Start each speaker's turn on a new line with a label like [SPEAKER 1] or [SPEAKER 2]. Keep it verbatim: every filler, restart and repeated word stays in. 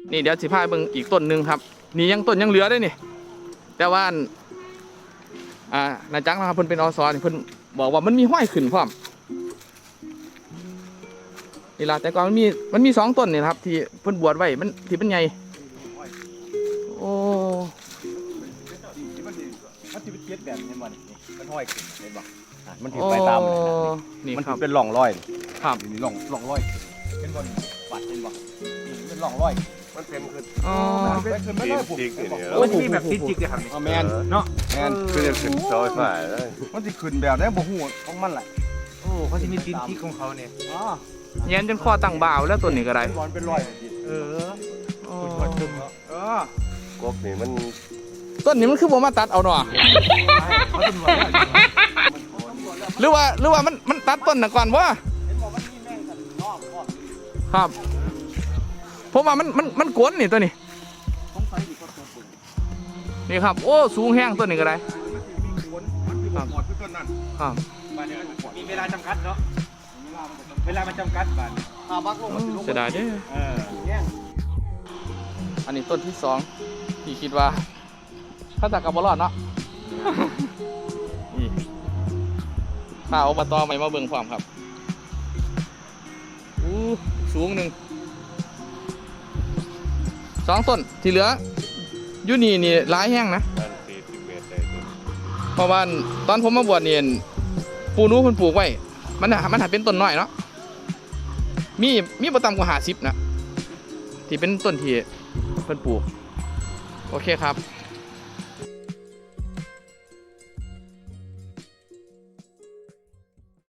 [SPEAKER 1] นี่เดี๋ยวสิพาเบิ่งอีกต้นหนึ่งครับนี่ยังต้นยังเหลือได้นี่แต่ว่าอ่านาจังนะครับเพิ่นเป็นอสนี่เพิ่นบอกว่ามันมีห้อยขึ้นพร้อมนี่ล่ะแต่ก่อนมันมีมันมีสองต้นนี่ครับที่เพิ่นบวชไว้มันที่เป็นใหญ่โอ้
[SPEAKER 2] มันจะเป็นเจ็ดแบบนี้มันมันห้อยขึ้นเห็นบ่มันถือ
[SPEAKER 1] โอ้
[SPEAKER 2] ไปตาม
[SPEAKER 1] นี่
[SPEAKER 2] มัน
[SPEAKER 1] ครับ
[SPEAKER 2] เป็นร่องรอย
[SPEAKER 1] ครับ
[SPEAKER 2] นี่ร่องร่องรอยเป็นบนปัดเป็นบ่นี่เป็นร่องรอยมันเป็นขึ้น
[SPEAKER 1] อ๋อ
[SPEAKER 2] เป็นขึ้นไม่ได้ผม
[SPEAKER 3] มันมีแบบจิกๆเลยครับนี่
[SPEAKER 2] แมนเนาะแมน
[SPEAKER 4] คือจะขึ้นเสาไฟฟ้าเลย
[SPEAKER 2] มันจะขึ้นแบบนี้บ่ฮู้ของมันแหละ
[SPEAKER 3] โอ้เขาจะมีตีนจิกของเขาเนี่ย
[SPEAKER 2] อ๋อ
[SPEAKER 1] เย็นจนคอตั้งบ่าวแล้วต้นนี้ก็ได้
[SPEAKER 2] บอลเป็นรอย
[SPEAKER 3] เออ
[SPEAKER 1] อ๋อ
[SPEAKER 2] เออก
[SPEAKER 4] กนี่มัน
[SPEAKER 1] ต้นนี้มันคือบ่มาตัดเอาเนาะ
[SPEAKER 3] เขาตำรวจแล้ว
[SPEAKER 1] หรือว่าหรือว่ามันมันตัดต้นน่ะก่อนบ่
[SPEAKER 2] เห็นบอกมันมีแม่งกันนอกก่อน
[SPEAKER 1] ครับผมว่ามันมันมันกวนนี่ตัวนี้
[SPEAKER 2] สงสัยอีกก็ตัวปุ่น
[SPEAKER 1] นี่ครับโอ้สูงแห้งต้นนี้ก็ได้
[SPEAKER 2] มันมีคนมันมีหมดทุกต้นนั่น
[SPEAKER 1] ครับ
[SPEAKER 3] บ้านนี้มีเวลาจำกัดเนาะเวลามันจำกัดบ้าน
[SPEAKER 2] ถ้าบักลงมันสิลง
[SPEAKER 1] เสียดายเด้อ
[SPEAKER 3] เออ
[SPEAKER 2] แง่ง
[SPEAKER 1] อันนี้ต้นที่สองที่คิดว่าถ้าจากกับบอลอดเนาะ นี่ข้าอบตใหม่มาเบิ่งความครับอู้สูงหนึ่งสองต้นที่เหลืออยูนี่นี่หลายแห้งนะ
[SPEAKER 4] มันสี่สิบเมตรได้ตัว
[SPEAKER 1] เพราะว่าตอนผมมาบวชเนี่ยปูนู้เพิ่นปลูกไว้มันน่ะมันหาเป็นต้นน้อยเนาะมีมีประตำกว่าห้าสิบนะที่เป็นต้นที่เพิ่นปลูกโอเคครับ